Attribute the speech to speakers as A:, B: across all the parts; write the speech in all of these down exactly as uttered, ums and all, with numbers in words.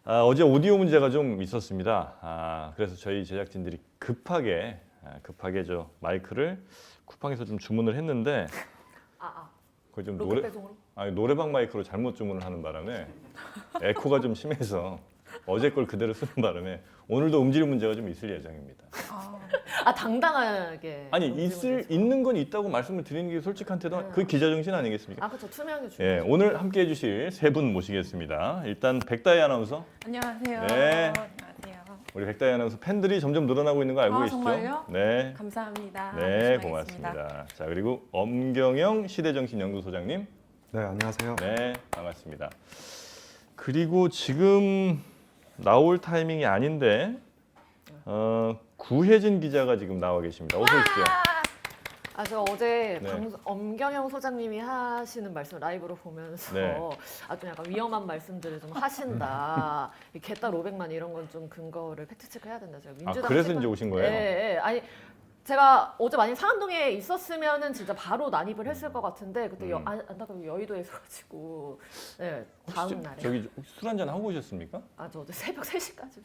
A: 아, 어제 오디오 문제가 좀 있었습니다. 아, 그래서 저희 제작진들이 급하게 아, 급하게 저 마이크를 쿠팡에서 좀 주문을 했는데
B: 아, 아.
A: 그걸 좀
B: 로켓
A: 노래
B: 배송으로?
A: 아니, 노래방 마이크로 잘못 주문을 하는 바람에 에코가 좀 심해서 어제 걸 그대로 쓰는 바람에 오늘도 음질 문제가 좀 있을 예정입니다.
C: 아,
B: 아, 당당하게.
A: 아니
B: 음질을
A: 있을
B: 내서.
A: 있는 건 있다고 말씀을 드리는 게 솔직한 태도
B: 네.
A: 그 기자 정신 아니겠습니까?
B: 아, 그렇죠. 투명하게 주.
A: 예, 오늘 함께 해주실 세 분 모시겠습니다. 일단 백다희 아나운서,
C: 안녕하세요.
A: 네.
C: 안녕하세요.
A: 우리 백다희 아나운서 팬들이 점점 늘어나고 있는 거 알고
C: 아,
A: 계시죠?
C: 정말요?
A: 네,
C: 감사합니다.
A: 네,
C: 열심히
A: 고맙습니다.
C: 하겠습니다.
A: 자, 그리고 엄경영 시대정신연구소장님,
D: 네, 안녕하세요.
A: 네, 반갑습니다. 그리고 지금 나올 타이밍이 아닌데 어, 구혜진 기자가 지금 나와 계십니다. 어서 오십시오.
B: 아, 저 어제
A: 네.
B: 방송, 엄경영 소장님이 하시는 말씀 라이브로 보면서
A: 네.
B: 아, 좀 약간 위험한 말씀들을 좀 하신다. 이 개딸 오백만 이런 건 좀 근거를 팩트 체크해야 된다. 제가
A: 아,
B: 민주당
A: 그래서
B: 찍은-
A: 이제 오신 거예요?
B: 예, 예. 아니 제가 어제 만약 상암동에 있었으면은 진짜 바로 난입을 했을 것 같은데 그때 여,
A: 음.
B: 안, 안타깝게 여의도에서 가지고 네,
A: 혹시
B: 다음
A: 저-
B: 날에
A: 저기 술 한잔 하고 오셨습니까?
B: 아, 저 어제 새벽 세 시까지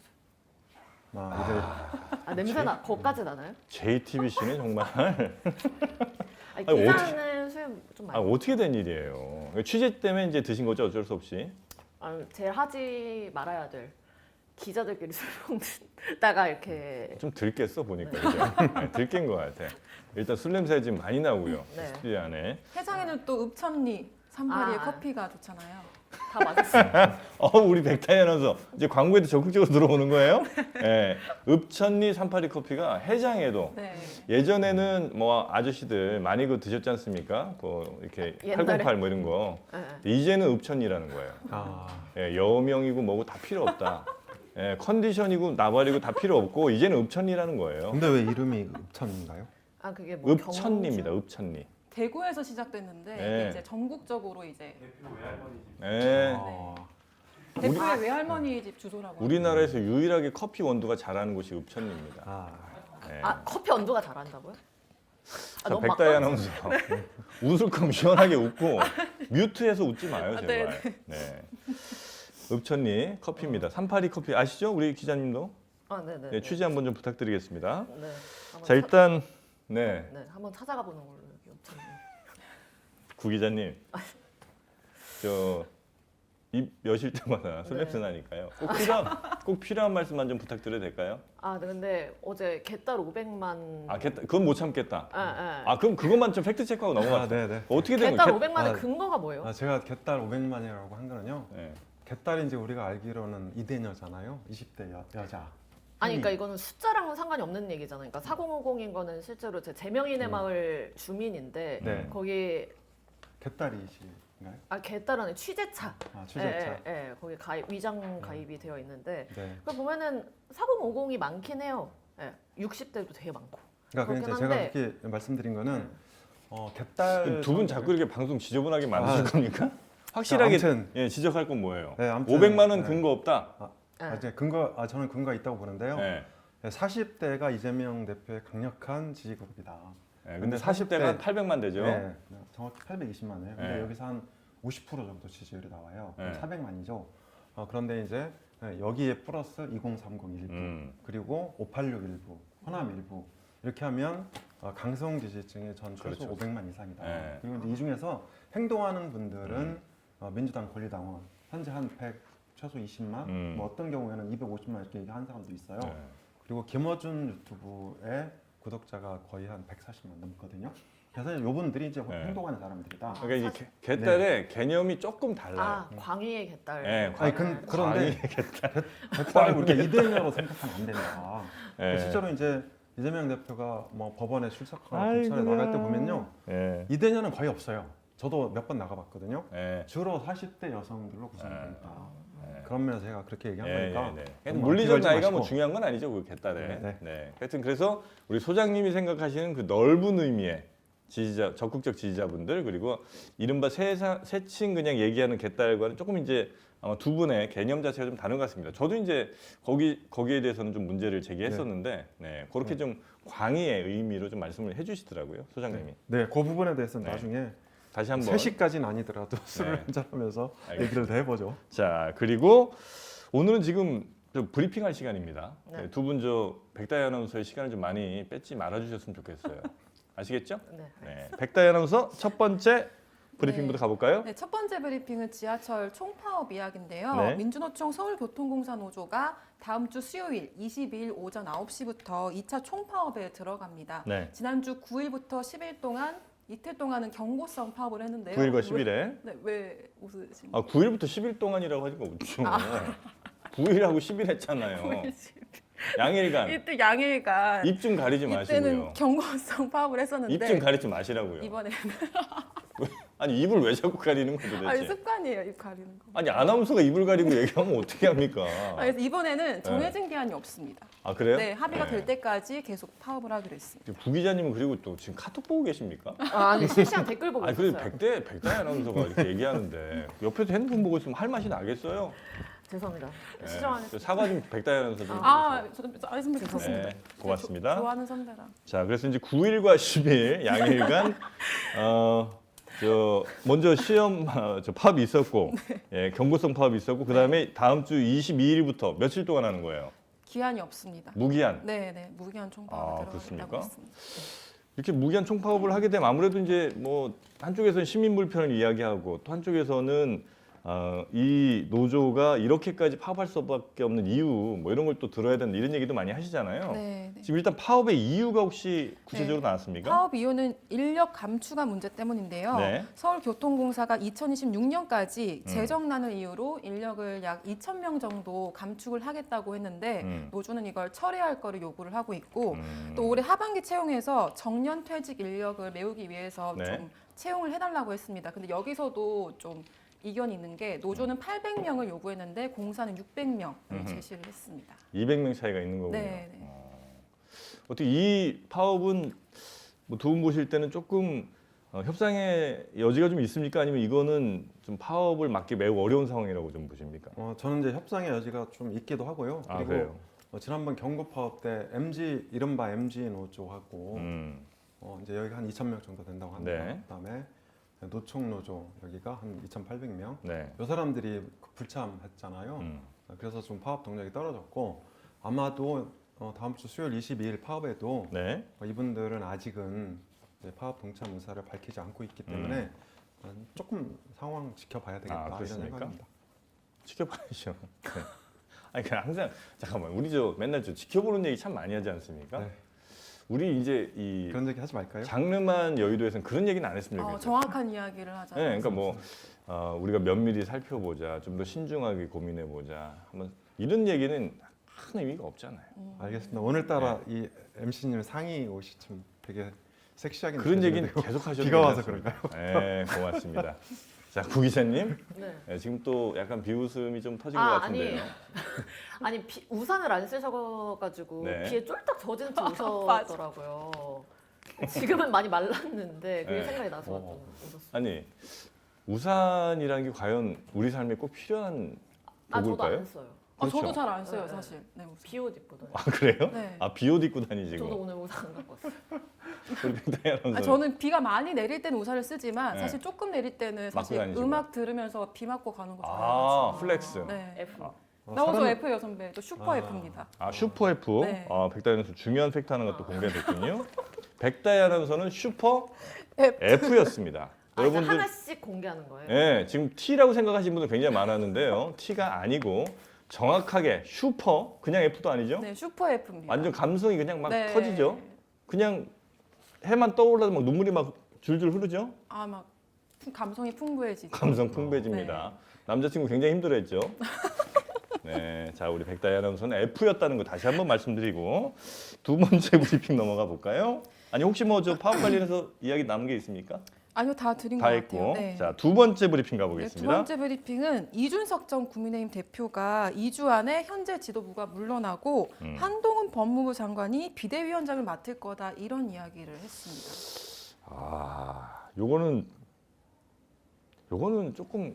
D: 아,
B: 아, 냄새 나 거기까지 나나요?
A: 제이티비씨는 정말
B: 아니,
A: 아니,
B: 기사는 수염 좀
A: 아,
B: 많이
A: 어떻게 된 일이에요? 취재 때문에 이제 드신 거죠, 어쩔 수 없이.
B: 아, 제일 하지 말아야 될 기자들끼리 술 먹다가 이렇게
A: 좀 들겠어 보니까 이제 네, 들깬 것 같아. 일단 술 냄새 지금 많이 나고요.
B: 네.
A: 스튜디오 안에.
C: 해장에는 또 읍천리 삼파리의
B: 아.
C: 커피가 좋잖아요.
B: 다 맞았어요.
A: 어, 우리 백타희 아나운서 이제 광고에도 적극적으로 들어오는 거예요? 예. 읍천리 삼팔이 커피가 해장에도
C: 네.
A: 예전에는 뭐 아저씨들 많이 그 드셨지 않습니까? 그 이렇게
B: 옛날에?
A: 팔공팔 뭐 이런 거.
B: 네.
A: 이제는 읍천리라는 거예요.
D: 아,
A: 예, 여명이고 뭐고 다 필요 없다. 예, 컨디션이고 나발이고 다 필요 없고 이제는 읍천리라는 거예요.
D: 근데 왜 이름이 읍천인가요?
B: 아, 그게 뭐
A: 읍천리입니다.
B: 경주?
A: 읍천리.
C: 대구에서 시작됐는데
A: 네.
C: 이게 이제 전국적으로 이제
A: 예.
D: 아,
C: 대구의 외할머니 집 주소라고.
A: 우리나라에서 유일하게 커피 원두가 잘하는 곳이 읍천리입니다.
D: 아,
A: 예.
B: 아, 커피 온도가 잘한다고요? 아,
A: 자,
B: 너무
A: 백다희
B: 막
A: 아나운서 웃을 거면 시원하게 웃고 뮤트해서 웃지 마요
B: 아,
A: 제발. 네. 읍천리 커피입니다. 삼팔이 커피 아시죠? 우리 기자님도
B: 아, 네, 네.
A: 네, 취재 한번 좀 부탁드리겠습니다.
B: 네. 한번
A: 자 일단 네,
B: 차, 네, 한번 찾아가 보는 걸로 여기 읍천리.
A: 구 기자님 저입 여실 때마다 술
B: 네.
A: 냄새 나니까요. 꼭 필요한 꼭 필요한 말씀만 좀 부탁드려도 될까요?
B: 아, 네, 근데 어제 개딸 오백만
A: 아, 겠다. 그건 못 참겠다.
B: 아, 아.
A: 아, 그럼 그것만 좀 팩트 체크하고
D: 아,
A: 넘어가세요.
D: 네, 네.
A: 어떻게 된
B: 개딸
A: 거예요?
B: 오백만의
D: 아,
B: 근거가 뭐예요?
D: 아, 제가 개딸 오백만이라고 한 거는요.
A: 네.
D: 개딸이 이제 우리가 알기로는 이대녀잖아요. 이십 대 여, 여자.
B: 아니, 그러니까 이거는 숫자랑은 상관이 없는 얘기잖아요. 그러니까 사공오공인 거는 실제로 제 재명인의
D: 음.
B: 마을 주민인데
D: 네.
B: 거기
D: 개딸이신가요?
B: 아, 개딸 안에 취재차.
D: 아, 취재차.
B: 예, 예, 예. 거기 가입, 위장 가입이 되어 있는데
D: 네.
B: 그 보면은 사공오공이 많긴 해요. 예, 육십 대도 되게 많고.
D: 그러니까
B: 그렇긴
D: 이제 제가
B: 한데-
D: 그렇게 말씀드린 거는
B: 네.
D: 어, 개딸
A: 두 분 자꾸 이렇게 방송 지저분하게 만드실
D: 아.
A: 겁니까? 확실하게
D: 아무튼
A: 예, 지적할 건 뭐예요?
D: 네, 아무튼,
A: 오백만 원
D: 네.
A: 근거 없다.
B: 예.
D: 아, 이제 근거 아, 저는 근거가 있다고 보는데요.
A: 네.
D: 사십 대가 이재명 대표의 강력한 지지급이다.
A: 네, 근데
D: 근데
A: 사십 대가
D: 사십 대
A: 팔백만 되죠.
D: 네, 정확히 팔백이십만이에요. 근데
A: 네.
D: 여기서 한 오십 퍼센트 정도 지지율이 나와요.
A: 네.
D: 사백만이죠. 어, 그런데 이제 네, 여기에 플러스 이공삼공 일부
A: 음.
D: 그리고 오팔육 일부, 호남 일부 이렇게 하면 어, 강성 지지층의 전 최소
A: 그렇죠.
D: 오백만 이상이다.
A: 네.
D: 그리고 이제 이 중에서 행동하는 분들은
A: 음.
D: 어, 민주당 권리당원 현재 한 백 최소 이십만,
A: 음.
D: 뭐 어떤 경우에는 이백오십만 이렇게 얘기하는 사람도 있어요.
A: 네.
D: 그리고 김어준 유튜브의 구독자가 거의 한 백사십만 넘거든요. 그래서 이분들이 이제
A: 네.
D: 행동하는 사람들이다.
A: 그러니까
B: 사실-
A: 이제 개- 개딸의 개념이 조금 달라요.
B: 아, 광희의 개딸.
A: 네,
D: 아니 근, 그런데
A: 개딸.
D: 개딸을 우리가 이대녀로 생각하면 안 된다.
A: 네.
D: 실제로 이제 이재명 대표가 뭐 법원에 출석하거나
A: 아이고야.
D: 검찰에 나갈 때 보면요,
A: 예.
D: 이대녀는 거의 없어요. 저도 몇 번 나가봤거든요.
A: 예.
D: 주로 사십 대 여성들로 구성되어 있다.
A: 예.
D: 그런 면에서 제가 그렇게 얘기한
A: 예,
D: 거니까
A: 예, 네.
D: 너무
A: 물리적
D: 어떻게
A: 나이가
D: 걸지
A: 뭐
D: 마시고.
A: 중요한 건 아니죠, 그 개딸에.
D: 네,
A: 네. 하여튼 그래서 우리 소장님이 생각하시는 그 넓은 의미의 지지자, 적극적 지지자분들 그리고 이른바 세사, 세칭 그냥 얘기하는 개딸과는 조금 이제 아마 두 분의 개념 자체가 좀 다른 것 같습니다. 저도 이제 거기 거기에 대해서는 좀 문제를 제기했었는데, 네, 그렇게
D: 네.
A: 좀 광의의 의미로 좀 말씀을 해주시더라고요, 소장님이.
D: 네, 그 부분에 대해서는
A: 네.
D: 나중에
A: 다시 한번.
D: 세 시까지는 아니더라도 술을
A: 네.
D: 한잔하면서
A: 알겠습니다.
D: 얘기를 더 해보죠.
A: 자, 그리고 오늘은 지금 저 브리핑할 시간입니다.
B: 네.
A: 네, 두 분 저 백다희 아나운서의 시간을 좀 많이 뺏지 말아주셨으면 좋겠어요. 아시겠죠?
B: 네.
A: 네, 백다희 아나운서 첫 번째 브리핑부터
C: 네.
A: 가볼까요?
C: 네, 첫 번째 브리핑은 지하철 총파업 이야기인데요.
A: 네.
C: 민주노총 서울교통공사 노조가 다음 주 수요일 이십이일 오전 아홉 시부터 이 차 총파업에 들어갑니다.
A: 네,
C: 지난주 구일부터 십일 동안 이틀 동안은 경고성 파업을 했는데요.
A: 구일과
C: 왜-
A: 십일에.
C: 네, 왜 웃으신
A: 아, 구일부터 십일 동안이라고 하니까 웃죠. 구일하고 십일 했잖아요.
C: 거예요?
A: 양일간.
C: 이때 양일간
A: 입 좀 가리지
C: 이때는
A: 마시고요.
C: 경고성 파업을 했었는데
A: 입 좀 가리지 마시라고요.
C: 이번에는
A: 아니 입을 왜 자꾸 가리는 거죠
C: 아니
A: 도대체?
C: 습관이에요, 입 가리는 거.
A: 아니 아나운서가 입을 가리고 얘기하면 어떻게 합니까?
C: 아, 그래서 이번에는 정해진 기한이 없습니다.
A: 아 그래요?
C: 네, 합의가
A: 네.
C: 될 때까지 계속 파업을 하기로 했습니다.
A: 부 기자님은 그리고 또 지금 카톡 보고 계십니까?
B: 아, 아니 실시간 댓글 보고
A: 아니 그래도
B: 있었어요.
A: 백대 백대 아나운서가 이렇게 얘기하는데 옆에서 핸드폰 보고 있으면 할 맛이 나겠어요?
B: 죄송합니다.
A: 네.
B: 시정하겠습니다.
A: 사과 좀 백대 아나운서 좀.
C: 아,
A: 해주세요.
C: 저도 알겠습니다. 좋습니다.
A: 네, 고맙습니다.
C: 조, 좋아하는 선배랑.
A: 자, 그래서 이제 구일과 십일 양일간 어, 저 먼저 시험 어, 저 파업이 있었고, 예, 경고성 파업이 있었고, 그 다음에 다음 주 이십이일부터 며칠 동안 하는 거예요?
C: 기한이 없습니다.
A: 무기한.
C: 네, 네, 무기한
A: 아,
C: 총파업에
A: 그렇습니까?
C: 들어가고 있습니다.
A: 이렇게 무기한 총파업을 하게 되면 아무래도 이제 뭐 한쪽에서는 시민 불편을 이야기하고 또 한쪽에서는 어, 이 노조가 이렇게까지 파업할 수밖에 없는 이유 뭐 이런 걸 또 들어야 된다 이런 얘기도 많이 하시잖아요.
C: 네, 네.
A: 지금 일단 파업의 이유가 혹시 구체적으로
C: 네.
A: 나왔습니까?
C: 파업 이유는 인력 감축가 문제 때문인데요.
A: 네.
C: 서울교통공사가 이천이십육년까지
A: 음.
C: 재정난을 이유로 인력을 약 이천 명 정도 감축을 하겠다고 했는데
A: 음.
C: 노조는 이걸 철회할 거를 요구를 하고 있고
A: 음.
C: 또 올해 하반기 채용에서 정년 퇴직 인력을 메우기 위해서
A: 네.
C: 좀 채용을 해달라고 했습니다. 근데 여기서도 좀 이견이 있는 게 노조는 팔백 명을 요구했는데 공사는 육백 명을
A: 음흠.
C: 제시를 했습니다.
A: 이백 명 차이가 있는 거군요.
C: 네, 네.
A: 어. 어떻게 이 파업은 뭐 두 분 보실 때는 조금 어, 협상의 여지가 좀 있습니까? 아니면 이거는 좀 파업을 막기 매우 어려운 상황이라고 좀 보십니까?
D: 어, 저는 이제 협상의 여지가 좀 있기도 하고요.
A: 아,
D: 그리고
A: 그래요?
D: 어, 지난번 경고 파업 때 엠지 이른바 엠지 노조하고
A: 음.
D: 어, 이제 여기가 한 이천 명 정도 된다고 합니다.
A: 네.
D: 그다음에 노총 노조 여기가 한 이천팔백 명.
A: 네.
D: 이 사람들이 불참했잖아요.
A: 음.
D: 그래서 좀 파업 동력이 떨어졌고 아마도 어, 다음 주 수요일 이십이일 파업에도
A: 네.
D: 어, 이분들은 아직은 이제 파업 동참 의사를 밝히지 않고 있기 때문에 어, 조금 상황 지켜봐야 되겠다
A: 음. 아,
D: 이런
A: 그렇습니까?
D: 생각입니다.
A: 지켜봐야죠. 네. 아니 그냥 항상 잠깐만 우리 저 맨날 저 지켜보는 얘기 참 많이 하지 않습니까?
D: 네.
A: 우리 이제 이
D: 그런 얘기 하지 말까요?
A: 장르만 여의도에서는 그런 얘기는 안 했으면
C: 어,
A: 좋겠어요.
C: 정확한 이야기를 하자.
A: 네, 그러니까 뭐 어, 우리가 면밀히 살펴보자, 좀 더 신중하게 고민해보자. 한번 이런 얘기는 큰 의미가 없잖아요.
D: 알겠습니다. 오늘따라
A: 네.
D: 이 엠씨님 상의 옷이 좀 되게 섹시하게
A: 그런 얘기는
D: 느껴지는데요.
A: 계속 하셔도
D: 비가 와서
A: 괜찮습니다. 네, 고맙습니다. 자, 구 기자님,
B: 네.
A: 네, 지금 또 약간 비웃음이 좀 터진
B: 아,
A: 것 같은데요.
B: 아니 비, 우산을 안 쓰셔가지고
A: 네.
B: 비에 쫄딱 젖은 채 오셨더라고요. 지금은 많이 말랐는데 그게
A: 네.
B: 생각이 나서
A: 어.
B: 좀 웃었어요.
A: 아니 우산이라는 게 과연 우리 삶에 꼭 필요한
B: 아 저도
A: 도구일까요?
B: 안 써요.
C: 아, 저도
A: 그렇죠.
C: 잘 안 써요,
B: 네, 네.
C: 사실. 네, 무슨.
B: 비옷 입고 다녀요.
A: 아 그래요?
C: 네.
A: 아 비옷 입고 다니시고.
B: 저도 오늘 우산 안 갖고 왔어요.
A: 우리 백다희 아나운서.
C: 아, 저는 비가 많이 내릴 때는 우산을 쓰지만
A: 네.
C: 사실 조금 내릴 때는 사실
A: 다니시고.
C: 음악 들으면서 비 맞고 가는 거
A: 아,
C: 좋아해요.
A: 플렉스.
C: 네.
B: F.
A: 아.
D: 어,
C: 나오서
D: 사람-
C: F예요 선배. 또 슈퍼
D: 아.
C: F입니다.
A: 아 슈퍼 F.
C: 네.
A: 아 백다희 아나운서 중요한 팩트 하나가 또 공개됐군요. 백다희 아나운서는 슈퍼
C: F.
A: F였습니다.
B: 아, 그러니까
A: 여러분들
B: 하나씩 공개하는 거예요.
A: 예, 지금 T라고 생각하시는 분들 굉장히 많았는데요. T가 아니고 정확하게 슈퍼 그냥 F도 아니죠?
C: 네, 슈퍼 F입니다.
A: 완전 감성이 그냥 막
C: 네.
A: 터지죠. 그냥 해만 떠올라도 막 눈물이 막 줄줄 흐르죠.
C: 아, 막 풍- 감성이 풍부해지죠.
A: 감성 풍부해집니다. 남자친구 굉장히 힘들어했죠. 네, 자 우리 백다희 아나운서는 F였다는 거 다시 한번 말씀드리고 두 번째 브리핑 넘어가 볼까요? 아니 혹시 뭐 저 파업 관련해서 이야기 남은 게 있습니까?
C: 아니요, 다 드린
A: 다
C: 것
A: 했고,
C: 같아요. 네.
A: 자 두 번째 브리핑
C: 네, 두
A: 가보겠습니다.
C: 번째 브리핑은 이준석 전 국민의힘 대표가 이 주 안에 현재 지도부가 물러나고
A: 음.
C: 한동훈 법무부 장관이 비대위원장을 맡을 거다 이런 이야기를 했습니다.
A: 아, 요거는 요거는 조금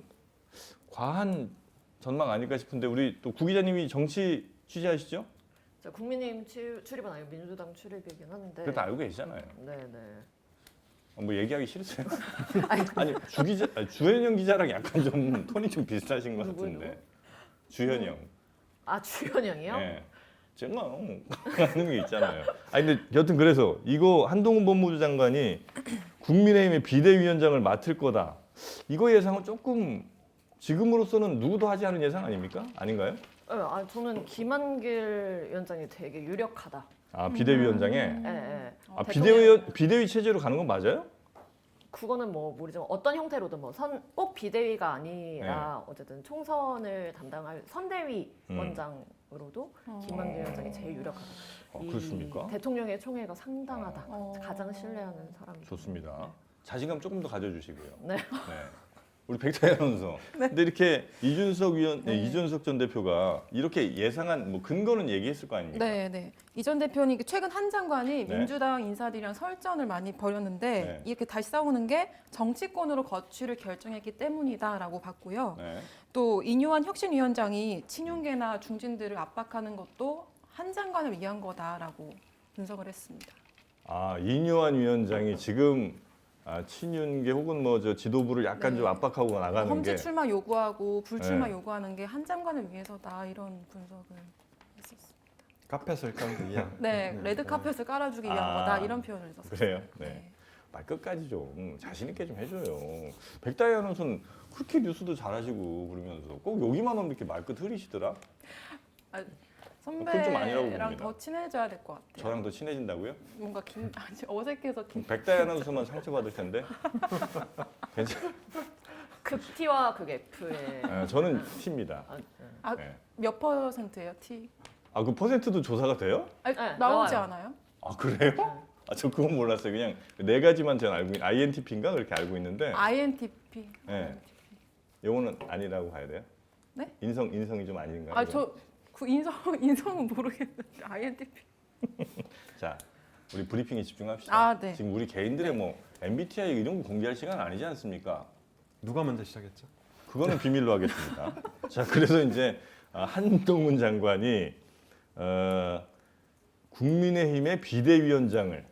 A: 과한 전망 아닐까 싶은데 우리 또 구 기자님이 정치 취재하시죠?
B: 자, 국민의힘 출- 출입은 아니고 민주당 출입이긴 한데.
A: 그거 다 알고 계시잖아요.
B: 네네.
A: 어, 뭐 얘기하기 싫으세요?
B: 아니,
A: 아니 주 기자, 아니, 주현영 기자랑 약간 좀 톤이 좀 비슷하신 것
B: 누구요,
A: 같은데. 주현영.
B: 아 주현영이요?
A: 예. 정말 하는 게 있잖아요. 아니 근데 여튼 그래서 이거 한동훈 법무부 장관이 국민의힘의 비대위원장을 맡을 거다. 이거 예상은 조금 지금으로서는 누구도 하지 않은 예상 아닙니까? 아닌가요?
B: 네, 아 저는 김한길 위원장이 되게 유력하다.
A: 아 비대위원장에
B: 예, 예.
A: 아
C: 어,
A: 비대위 비대위 체제로 가는 건 맞아요?
B: 그거는 뭐 모르지만 어떤 형태로든 뭐 선 꼭 비대위가 아니라 어쨌든 총선을 담당할 선대위
A: 음.
B: 원장으로도
C: 어.
B: 김한길 위원장이 제일 유력하다.
A: 아,
B: 이
A: 그렇습니까?
B: 대통령의 총애가 상당하다.
C: 어.
B: 가장 신뢰하는 사람.
A: 좋습니다. 자신감 조금 더 가져주시고요.
B: 네.
A: 네. 우리 백타희 아나운서. 근데 이렇게 이준석 위원, 네.
C: 네.
A: 이준석 전 대표가 이렇게 예상한 뭐 근거는 얘기했을 거 아닙니까?
C: 네, 네. 이 전 대표는 최근 한 장관이
A: 네.
C: 민주당 인사들이랑 설전을 많이 벌였는데
A: 네.
C: 이렇게 다시 싸우는 게 정치권으로 거취를 결정했기 때문이다라고 봤고요.
A: 네.
C: 또 인요한 혁신위원장이 친윤계나 중진들을 압박하는 것도 한 장관을 위한 거다라고 분석을 했습니다.
A: 아 이뇨한 위원장이 지금 아, 친윤계 혹은 뭐 저 지도부를 약간
C: 네.
A: 좀 압박하고 나가는
C: 험지
A: 게
C: 출마 요구하고 불출마
A: 네.
C: 요구하는 게 한 장관을 위해서다 이런 분석을 했었습니다.
D: 카펫을 깔기 위한.
C: 네, 레드 카펫을 깔아주기 위한
A: 아,
C: 거다 이런 표현을 썼어요.
A: 그래요? 네. 말 끝까지 좀 자신 있게 좀 해줘요. 백다희 아나운서는 그렇게 뉴스도 잘하시고 그러면서 꼭 여기만 오면 이렇게 말끝 흐리시더라. 그건 좀 아니라고
C: 선배랑
A: 봅니다.
C: 더 친해져야 될 것 같아요.
A: 저랑 더 친해진다고요?
C: 뭔가 긴, 아니, 어색해서 긴.
A: 백다희 아나운서만 상처받을 텐데. 괜찮.
B: 극 T와 극 F의
A: 아, 저는 T입니다.
B: 아, 네.
C: 아,
A: 네.
C: 몇 퍼센트예요, T?
A: 아 그 퍼센트도 조사가 돼요?
C: 아니,
B: 네,
C: 나오지
B: 나와요.
C: 않아요?
A: 아 그래요? 아 저 그건 몰랐어요. 그냥 네 가지만 저는 알고 있는 아이엔티피인가 그렇게 알고 있는데.
C: 아이엔티피.
A: 네. 요거는 아니라고 봐야 돼요?
C: 네?
A: 인성 인성이 좀 아닌가요?
C: 아,
A: 이건?
C: 저 그 인성 인성은 모르겠는데 아이엔티피.
A: 자, 우리 브리핑에 집중합시다.
C: 아, 네.
A: 지금 우리 개인들의 뭐 엠비티아이 이런 거 공개할 시간 아니지 않습니까?
D: 누가 먼저 시작했죠?
A: 그거는 비밀로 하겠습니다. 자, 그래서 이제 아, 한동훈 장관이 어, 국민의힘의 비대위원장을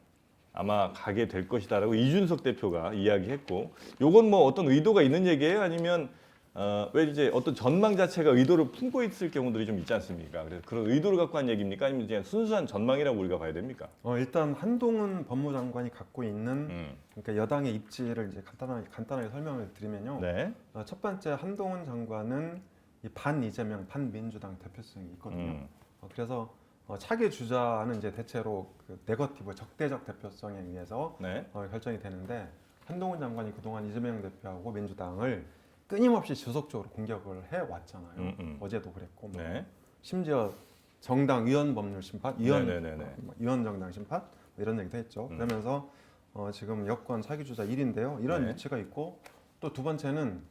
A: 아마 가게 될 것이다라고 이준석 대표가 이야기했고, 요건 뭐 어떤 의도가 있는 얘기예요? 아니면 어, 왜 이제 어떤 전망 자체가 의도를 품고 있을 경우들이 좀 있지 않습니까? 그래서 그런 의도를 갖고 한 얘기입니까? 아니면 그냥 순수한 전망이라고 우리가 봐야 됩니까?
D: 어, 일단 한동훈 법무장관이 갖고 있는
A: 음.
D: 그러니까 여당의 입지를 이제 간단하게 간단하게 설명을 드리면요.
A: 네.
D: 어, 첫 번째 한동훈 장관은 이 반 이재명, 반 민주당 대표성이 있거든요.
A: 음.
D: 어, 그래서 어, 차기 주자는 이제 대체로 그 네거티브 적대적 대표성에 의해서
A: 네.
D: 어, 결정이 되는데 한동훈 장관이 그동안 이재명 대표하고 민주당을 끊임없이 지속적으로 공격을 해 왔잖아요.
A: 음, 음.
D: 어제도 그랬고 뭐.
A: 네.
D: 심지어 정당 위헌 법률 심판, 위헌
A: 네네네네.
D: 어, 뭐 위헌 정당 심판 뭐 이런 얘기도 했죠.
A: 음.
D: 그러면서 어, 지금 여권 차기 주자 일 위인데요. 이런
A: 네.
D: 위치가 있고 또 두 번째는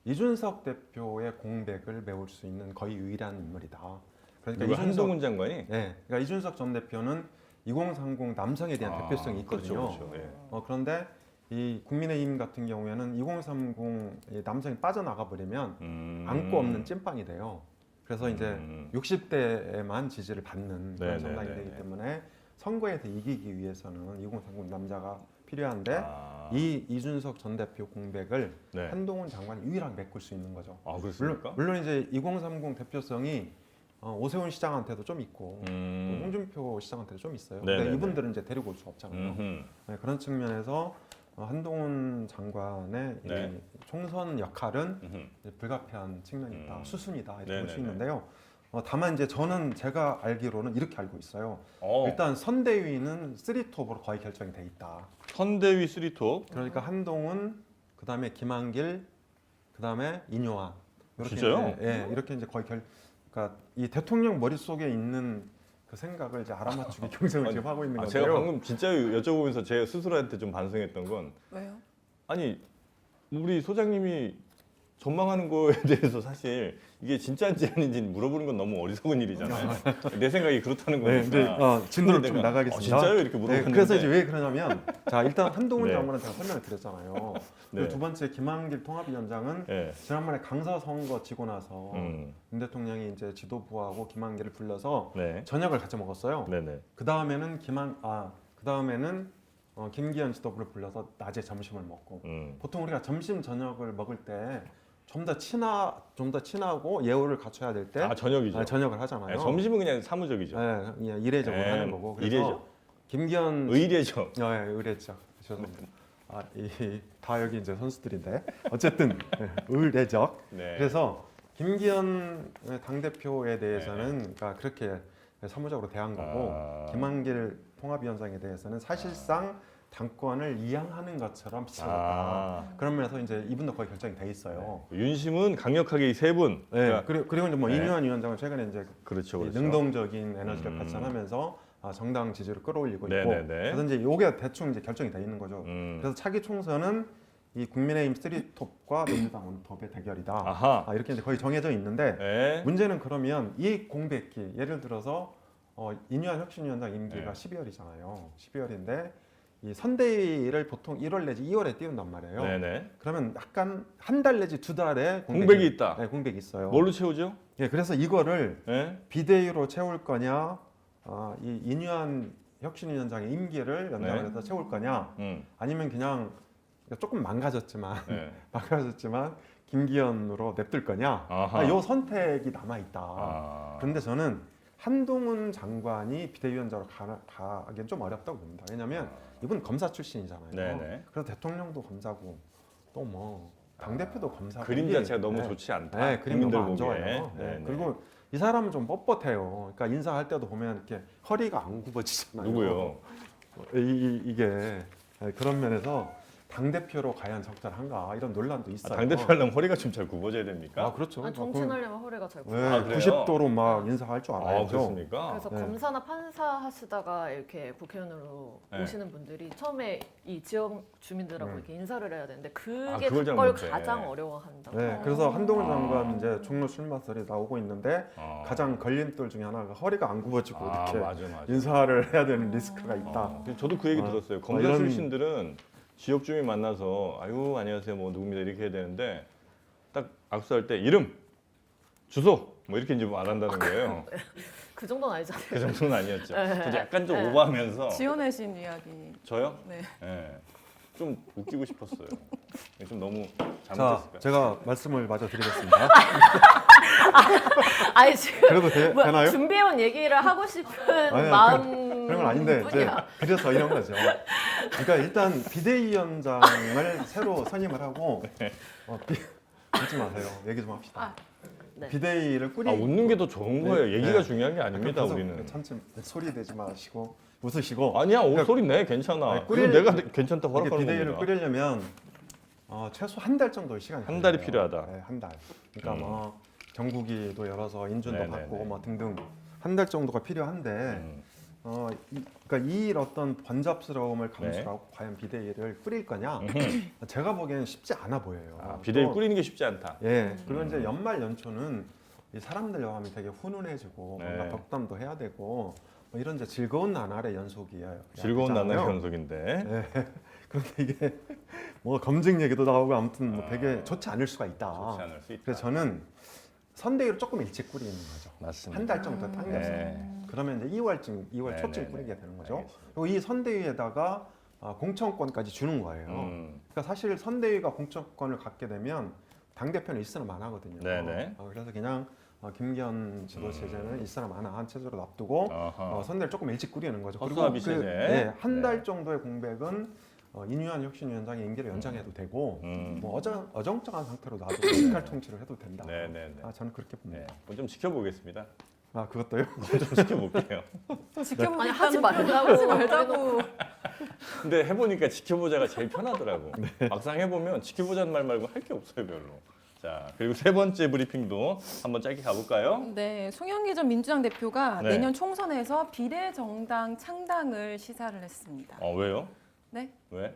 D: 이준석 대표의 공백을 메울 수 있는 거의 유일한 인물이다. 그러니까
A: 누가
D: 이준석,
A: 한동훈 장관이
D: 네, 그러니까 이준석 전 대표는 이공삼공 남성에 대한
A: 아,
D: 대표성이 있거든요.
A: 그렇죠, 그렇죠. 예.
D: 어, 그런데 이 국민의힘 같은 경우에는 이공삼공 이 남성이 빠져나가 버리면
A: 음.
D: 안고 없는 찐빵이 돼요. 그래서 이제
A: 음.
D: 육십 대에만 지지를 받는 그런
A: 네,
D: 정당이
A: 네, 네,
D: 되기
A: 네.
D: 때문에 선거에서 이기기 위해서는 이공삼공 남자가 필요한데
A: 아.
D: 이 이준석 전 대표 공백을
A: 네.
D: 한동훈 장관이 유일하게 메꿀 수 있는 거죠.
A: 아
D: 물론,
A: 그렇습니까?
D: 물론 이제 이공삼공 대표성이 어, 오세훈 시장한테도 좀 있고 또
A: 음.
D: 홍준표 시장한테도 좀 있어요.
A: 네, 네,
D: 근데
A: 네.
D: 이분들은 이제 데리고 올 수 없잖아요.
A: 음흠.
D: 네, 그런 측면에서 어, 한동훈 장관의
A: 네.
D: 이 총선 역할은
A: 음흠.
D: 이제 불가피한 측면이 있다,
A: 음.
D: 수순이다 이렇게 볼 수
A: 네네네.
D: 있는데요. 어, 다만 이제 저는 제가 알기로는 이렇게 알고 있어요.
A: 어.
D: 일단 선대위는 쓰리톱으로 거의 결정이 돼 있다.
A: 선대위 쓰리톱.
D: 그러니까 한동훈, 그 다음에 김한길, 그 다음에 인요한. 이렇게
A: 진짜요?
D: 이제, 예, 이렇게 이제 거의 결, 그러니까 이 대통령 머릿속에 있는 그 생각을 이제 알아맞추기 경쟁을
A: 아니,
D: 지금 하고 있는
A: 아,
D: 건데요.
A: 제가 방금 진짜 여쭤보면서 제가 스스로한테 좀 반성했던 건
C: 왜요?
A: 아니 우리 소장님이 전망하는 거에 대해서 사실 이게 진짜인지 아닌지 물어보는 건 너무 어리석은 일이잖아요. 내 생각이 그렇다는
D: 네,
A: 거니까.
D: 이제 어, 진도를 좀
A: 내가,
D: 나가겠습니다.
A: 어, 진짜요? 이렇게
D: 네,
A: 물어봤는데.
D: 그래서 이제 왜 그러냐면 자 일단 한동훈
A: 네.
D: 장관은 제가 설명을 드렸잖아요.
A: 네.
D: 그리고 두 번째 김한길 통합위원장은
A: 네.
D: 지난번에 강서 선거 지고 나서
A: 음.
D: 윤 대통령이 이제 지도부하고 김한길을 불러서
A: 네.
D: 저녁을 같이 먹었어요.
A: 네네.
D: 그 다음에는 김한 아그 다음에는 어, 김기현 지도부를 불러서 낮에 점심을 먹고
A: 음.
D: 보통 우리가 점심 저녁을 먹을 때 좀 더 친하 좀 더 친하고 예우를 갖춰야 될 때
A: 아 저녁이죠.
D: 저녁을 하잖아요.
A: 네, 점심은 그냥 사무적이죠.
D: 네, 그냥 이례적으로
A: 네,
D: 하는 거고. 그래서
A: 이례적?
D: 김기현
A: 의례죠.
D: 아, 예, 의례죠. 죄송합니다. 아, 이 다 여기 이제 선수들인데 어쨌든 네, 의례적.
A: 네.
D: 그래서 김기현 당 대표에 대해서는 그러니까 그렇게 사무적으로 대한 거고
A: 아.
D: 김한길 통합위원장에 대해서는 사실상 당권을 이양하는 것처럼 비춰졌다.
A: 아.
D: 그런 면에서 이제 이분도 거의 결정이 돼 있어요.
A: 윤심은 강력하게 이 세 분.
D: 네.
A: 그러니까
D: 그리고 그리고 이제 뭐
A: 네.
D: 이뉴한 위원장은 최근에 이제
A: 그렇죠,
D: 이
A: 그렇죠.
D: 능동적인 에너지를
A: 음.
D: 발산하면서 아, 정당 지지를 끌어올리고
A: 네네네.
D: 있고 그래서 이제 이게 대충 이제 결정이 돼 있는 거죠.
A: 음.
D: 그래서 차기 총선은 이 국민의힘 쓰리톱과 민주당 원톱의 대결이다.
A: 아하.
D: 아, 이렇게 이제 거의 정해져 있는데
A: 네.
D: 문제는 그러면 이 공백기 예를 들어서 어, 이뉴한 혁신위원장 임기가
A: 네.
D: 십이월이잖아요. 십이월인데 이 선대위를 보통 일월 내지 이월에 띄운단 말이에요.
A: 네네.
D: 그러면 약간 한 달 내지 두 달에
A: 공백이 있다.
D: 네, 공백이 있어요.
A: 뭘로 채우죠?
D: 예, 그래서 이거를
A: 네.
D: 비대위로 채울 거냐, 아, 이 이뉴한 혁신위원장의 임기를 연장을
A: 네.
D: 해서 채울 거냐,
A: 음.
D: 아니면 그냥 조금 망가졌지만
A: 네.
D: 망가졌지만 김기현으로 냅둘 거냐,
A: 아하.
D: 아, 요 선택이 남아 있다.
A: 아.
D: 그런데 저는 한동훈 장관이 비대위원장으로 가, 가기엔 좀 어렵다고 봅니다. 왜냐하면 이분 검사 출신이잖아요.
A: 네네.
D: 그래서 대통령도 검사고 또 뭐 당대표도 검사고
A: 그림
D: 이게-
A: 자체가 너무
D: 네.
A: 좋지 않다.
D: 네, 그림이
A: 국민들
D: 너무 안
A: 보기에.
D: 좋아요. 네.
A: 네네.
D: 그리고 이 사람은 좀 뻣뻣해요. 그러니까 인사할 때도 보면 이렇게 허리가 안 굽어지잖아요.
A: 누구요?
D: 이, 이, 이게 네, 그런 면에서 당 대표로 과연 적절한가 이런 논란도
A: 아,
D: 있어요.
A: 당대표 하려면 허리가 좀 잘 굽어져야 됩니까?
D: 아 그렇죠.
B: 아니, 정치하려면 허리가 잘 굽어.
D: 네,
A: 아, 그래요?
D: 구십 도로 막 인사할 줄
A: 아,
D: 알아야죠.
A: 그렇습니까?
B: 그래서
D: 네.
B: 검사나 판사 하시다가 이렇게 국회의원으로
A: 네.
B: 오시는 분들이 처음에 이 지역 주민들하고
D: 음.
B: 이렇게 인사를 해야 되는데
A: 아,
B: 그게
A: 그걸 잘
B: 그걸
A: 못해.
B: 가장 어려워한다.
D: 네, 그래서 한동훈
A: 아.
D: 장관 이제 종로 출마설이 나오고 있는데
A: 어.
D: 가장 걸림돌 중에 하나가 허리가 안 굽어지고
A: 아,
D: 이렇게
A: 맞아, 맞아.
D: 인사를 해야 되는 리스크가 있다.
A: 어, 저도 그 얘기
D: 아,
A: 들었어요.
D: 아,
A: 검사
D: 이런-
A: 출신들은 지역 주민 만나서 아유 안녕하세요 뭐 누굽니다 이렇게 해야 되는데 딱 악수할 때 이름, 주소 뭐 이렇게 이제 안 한다는 거예요.
B: 그 정도는 아니잖아요.
A: 그 정도는 아니었죠.
B: 네.
A: 저도 약간 좀
B: 네.
A: 오버하면서
C: 지어내신 이야기.
A: 저요?
C: 네.
A: 예. 좀 웃기고 싶었어요. 좀 너무
D: 자,
A: 잘못했을까?
D: 제가 말씀을 마저 드리겠습니다.
B: 아니 지금
D: 그래도 되,
B: 뭐,
D: 되나요?
B: 준비해온 얘기를 하고 싶은
D: 아니요,
B: 마음
D: 그런 건 아닌데 이제
B: 뿐이야.
D: 그래서 이런 거죠. 그러니까 일단 비대위원장을 새로 선임을 하고 어, 비, 웃지 마세요. 얘기 좀 합시다.
B: 아, 네.
D: 비대위를 꾸리
A: 아, 웃는 게 더 좋은 거예요.
D: 네.
A: 얘기가
D: 네.
A: 중요한 게 아닙니다.
D: 그래서
A: 우리는.
D: 참지 소리 내지 마시고 웃으시고
A: 아니야, 오
D: 그러니까
A: 소리 내 괜찮아.
D: 아니,
A: 그리고
D: 꾸릴-
A: 내가 괜찮다고
D: 이게
A: 허락하는
D: 비대위를
A: 겁니다.
D: 꾸리려면 어, 최소 한 달 정도의 시간이
A: 한 달이
D: 걸려요.
A: 필요하다.
D: 네, 한 달. 그러니까
A: 음.
D: 뭐 정국이도 열어서 인준도
A: 네네네.
D: 받고 뭐 등등 한 달 정도가 필요한데
A: 음.
D: 어, 이, 그러니까 이 어떤 번잡스러움을
A: 네.
D: 감수하고 과연 비대위를 꾸릴 거냐?
A: 음흠.
D: 제가 보기에는 쉽지 않아 보여요.
A: 아, 비대위
D: 또,
A: 꾸리는 게 쉽지 않다.
D: 예. 그리고
A: 음.
D: 이제 연말 연초는 이 사람들 마음이 되게 훈훈해지고
A: 네.
D: 뭔가 덕담도 해야 되고 뭐 이런 이제 즐거운 나날의 연속이에요.
A: 즐거운
D: 잖아요.
A: 나날의 연속인데.
D: 네. 그런데 이게 뭐 검증 얘기도 나오고 아무튼 뭐
A: 아,
D: 되게 좋지 않을 수가 있다.
A: 좋지 않을 수 있다.
D: 그래서 저는 선대위를 조금 일찍 꾸리는 거죠.
A: 맞습니다.
D: 한 달 정도 당겨서.
A: 네.
D: 그러면 이제 이월쯤, 이월
A: 네,
D: 초쯤
A: 네,
D: 꾸리게
A: 네.
D: 되는 거죠.
A: 알겠습니다.
D: 그리고 이 선대위에다가 아, 공천권까지 주는 거예요.
A: 음.
D: 그러니까 사실 선대위가 공천권을 갖게 되면 당 대표는 일사람 안 하거든요.
A: 네네.
D: 어, 그래서 그냥 어, 김기현 지도 체제는 일사람 안 한 체제로 놔두고
A: 어허.
D: 어, 선대를 조금 일찍 꾸리는 거죠.
A: 허수아비 체제.
D: 네, 한 달
A: 네.
D: 정도의 공백은 어, 이뉴한 혁신위원장의 임기를 연장해도 되고
A: 음.
D: 뭐 어정, 어정쩡한 상태로 놔두고 직할 통치를 해도 된다.
A: 네네네.
D: 아, 저는 그렇게
A: 네.
D: 봅니다.
A: 그건 좀 지켜보겠습니다.
D: 아 그것도요?
A: 좀 지켜볼게요.
C: 지켜보고
B: 아니 하지
C: 있다는 거.
B: 말라고
C: 하지 말자고.
A: 근데 해보니까 지켜보자가 제일 편하더라고. 막상 해보면 지켜보자는 말 말고 할 게 없어요 별로. 자 그리고 세 번째 브리핑도 한번 짧게 가볼까요?
C: 네, 송영기 전 민주당 대표가
A: 네.
C: 내년 총선에서 비례정당 창당을 시사를 했습니다.
A: 어 왜요?
C: 네,
A: 왜?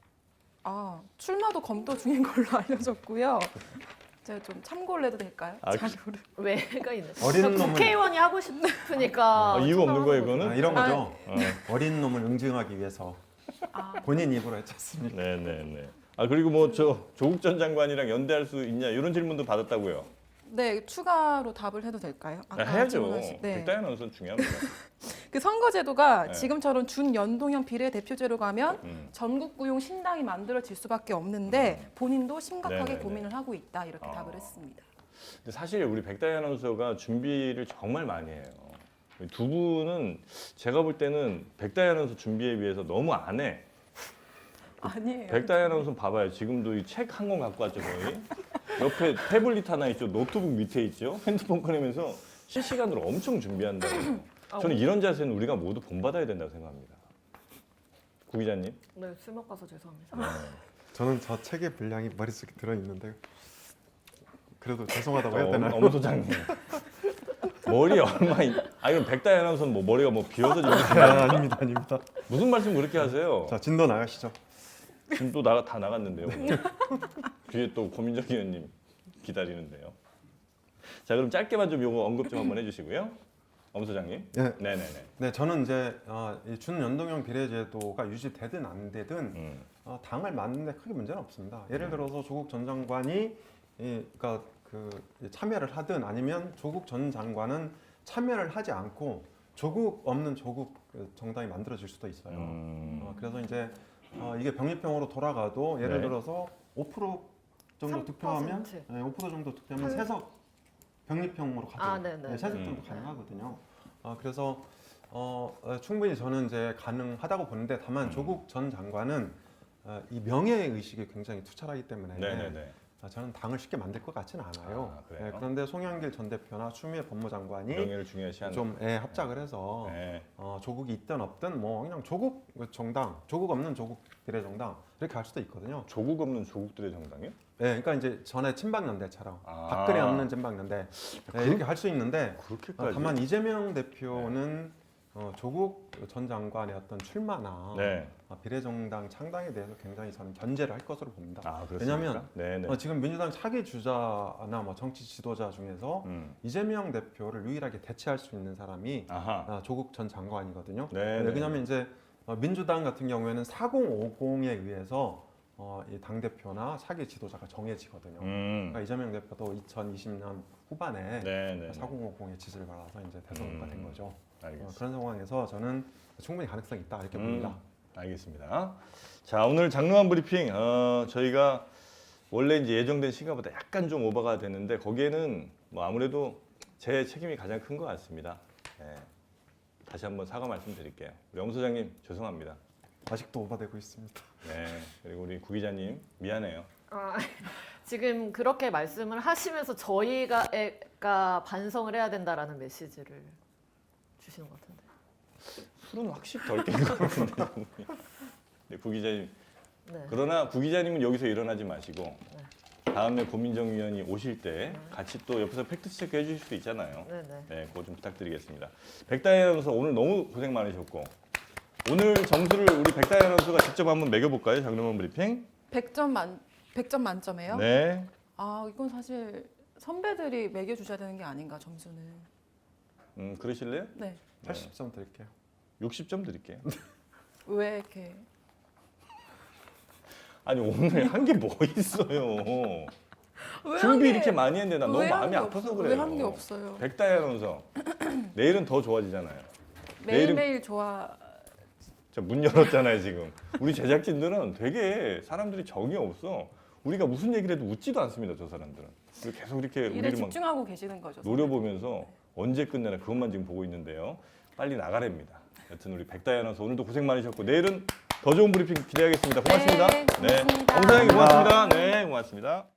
C: 아 출마도 검토 중인 걸로 알려졌고요. 제가 좀 참고를 해도 될까요?
A: 아, 그-
C: 자료를.
B: 왜가 있는?
D: 어린
B: 저
D: 놈은-
B: 국회의원이 하고 싶으니까.
A: 아, 이유가 없는 거예요
B: 참여하는
A: 이거는?
D: 아, 이런
C: 아,
D: 거죠.
A: 어.
D: 어린 놈을 응징하기 위해서
C: 아,
D: 본인 입으로 했지 않습니까?
A: 네네네. 아 그리고 뭐 저 조국 전 장관이랑 연대할 수 있냐 이런 질문도 받았다고요.
C: 네, 추가로 답을 해도 될까요?
A: 아,
C: 아까
A: 해야죠.
C: 질문하신- 네.
A: 백다현 아나운서는 중요합니다.
C: 그 선거제도가
A: 네.
C: 지금처럼 준연동형 비례대표제로 가면
A: 음.
C: 전국구용 신당이 만들어질 수밖에 없는데 본인도 심각하게
A: 네네네.
C: 고민을 하고 있다 이렇게
A: 어.
C: 답을 했습니다.
A: 근데 사실 우리 백다희 아나운서가 준비를 정말 많이 해요. 두 분은 제가 볼 때는 백다희 아나운서 준비에 비해서 너무 안 해.
C: 아니에요.
A: 백다희 아나운서 봐봐요. 지금도 이 책 한 권 갖고 왔죠 거의. 옆에 태블릿 하나 있죠. 노트북 밑에 있죠. 핸드폰 꺼내면서 실시간으로 엄청 준비한다고요. 저는 이런 자세는 우리가 모두 본받아야 된다고 생각합니다. 구 기자님.
B: 네, 술 먹어서 죄송합니다.
A: 네.
D: 저는 저 책의 분량이 머릿속에 들어 있는데 그래도 죄송하다고 해야
A: 어,
D: 되나요?
A: 엄 소장님. 머리 얼마? 있... 아 이건 백다희 아나운서는 뭐 머리가 뭐 비어서 지금
D: 아, 아닙니다, 아닙니다.
A: 무슨 말씀 그렇게 하세요?
D: 자, 진도 나가시죠.
A: 지금 또 나가 다 나갔는데요. 오늘. 뒤에 또 고민정 의원님 기다리는데요. 자 그럼 짧게만 좀 요거 언급 좀 한번 해주시고요. 엄 소장님.
D: 예.
A: 네네네.
D: 네, 저는 이제 어, 이 준연동형 비례제도가 유지되든 안 되든
A: 음.
D: 어, 당을 맡는데 크게 문제는 없습니다. 예를 들어서 조국 전 장관이 이, 그러니까 그 참여를 하든 아니면 조국 전 장관은 참여를 하지 않고 조국 없는 조국 그 정당이 만들어질 수도 있어요.
A: 음.
D: 어, 그래서 이제 어, 이게 병립형으로 돌아가도 예를
A: 네.
D: 들어서 오 퍼센트 정도
B: 삼
D: 득표하면
B: 퍼센트.
D: 네, 오 퍼센트 정도 득표하면
B: 한-
D: 세석 병립형으로 가죠.
B: 아, 네네.
D: 네, 세석
A: 음.
D: 정도 가능하거든요. 어, 그래서 어, 어, 충분히 저는 이제 가능하다고 보는데 다만
A: 음.
D: 조국 전 장관은 어, 이 명예 의식이 굉장히 투철하기 때문에
A: 네네네.
D: 아, 저는 당을 쉽게 만들 것 같지는 않아요.
A: 아, 그래요?
D: 네, 그런데 송영길 전 대표나 추미애 법무장관이
A: 명예를 중요시하는.
D: 좀 예, 합작을 해서
A: 네.
D: 어, 조국이 있든 없든 뭐 그냥 조국 정당, 조국 없는 조국 비례정당 이렇게 할 수도 있거든요.
A: 조국 없는 조국들의 정당이요?
D: 네, 그러니까 이제 전에 친박연대처럼
A: 아.
D: 박근혜 없는 친박연대 네, 이렇게 할 수 있는데 어,
A: 그렇게까지.
D: 다만 이재명 대표는 어, 조국 전 장관의 어떤 출마나
A: 네.
D: 어, 비례정당 창당에 대해서 굉장히 저는 견제를 할 것으로 봅니다.
A: 아 그렇습니까?
D: 왜냐하면
A: 네네.
D: 어, 지금 민주당 차기 주자나 뭐 정치 지도자 중에서
A: 음.
D: 이재명 대표를 유일하게 대체할 수 있는 사람이
A: 아하.
D: 아, 조국 전 장관이거든요.
A: 네.
D: 네, 왜냐하면 이제 어, 민주당 같은 경우에는 사공오공에 의해서 어, 이 당 대표나 차기 지도자가 정해지거든요.
A: 음.
D: 그러니까 이재명 대표도 이천이십 년 후반에
A: 네네.
D: 사공오공의 지지를 받아서 이제 대선 후보가 된
A: 음.
D: 거죠. 어,
A: 알겠습니다.
D: 그런 상황에서 저는 충분히 가능성이 있다 이렇게
A: 음.
D: 봅니다.
A: 알겠습니다. 자 오늘 장르만 브리핑 어, 저희가 원래 이제 예정된 시간보다 약간 좀 오버가 됐는데 거기에는 뭐 아무래도 제 책임이 가장 큰 것 같습니다. 네. 다시 한번 사과 말씀드릴게요. 우리 엄 소장님 죄송합니다.
D: 아직도 오버되고 있습니다.
A: 네. 그리고 우리 구 기자님 미안해요.
B: 아, 지금 그렇게 말씀을 하시면서 저희가 애가 반성을 해야 된다라는 메시지를 주시는 것 같은데.
A: 술은 확실히 덜 깬 것 같은데. 네, 구 기자님.
B: 네.
A: 그러나 구 기자님은 여기서 일어나지 마시고 다음에 고민정 위원이 오실 때 같이 또 옆에서 팩트 체크 해주실 수도 있잖아요.
B: 네네.
A: 네, 그거 좀 부탁드리겠습니다. 백다희 아나운서 오늘 너무 고생 많으셨고 오늘 점수를 우리 백다희 아나운서가 직접 한번 매겨볼까요? 장르만 브리핑.
C: 백 점 만 백 점 만점에요?
A: 네.
C: 아 이건 사실 선배들이 매겨주셔야 되는 게 아닌가 점수는.
A: 음, 그러실래요?
C: 네.
D: 팔십 점 드릴게요.
A: 육십 점 드릴게요.
C: 왜 이렇게
A: 아니 오늘 한 게 뭐 있어요?
C: 왜
A: 준비
C: 한 게-
A: 이렇게 많이 했는데 난 너무
C: 왜 한
A: 마음이
C: 게
A: 아파서
C: 없-
A: 그래요.
C: 왜 한 게 없어요?
A: 백다희 아나운서 내일은 더 좋아지잖아요.
C: 매일
A: 내일은-
C: 매일 좋아.
A: 자, 문 열었잖아요 지금. 우리 제작진들은 되게 사람들이 정이 없어. 우리가 무슨 얘기를 해도 웃지도 않습니다 저 사람들은. 그리고 계속 이렇게
C: 일에
A: 우리를 막
C: 집중하고 계시는 거죠.
A: 노려보면서 언제 끝내나 그것만 지금 보고 있는데요. 빨리 나가랍니다. 여튼 우리 백다희 아나운서 오늘도 고생 많으셨고 내일은 더 좋은 브리핑 기대하겠습니다. 고맙습니다.
C: 네, 고맙습니다.
A: 엄 사장님 고맙습니다. 네, 고맙습니다.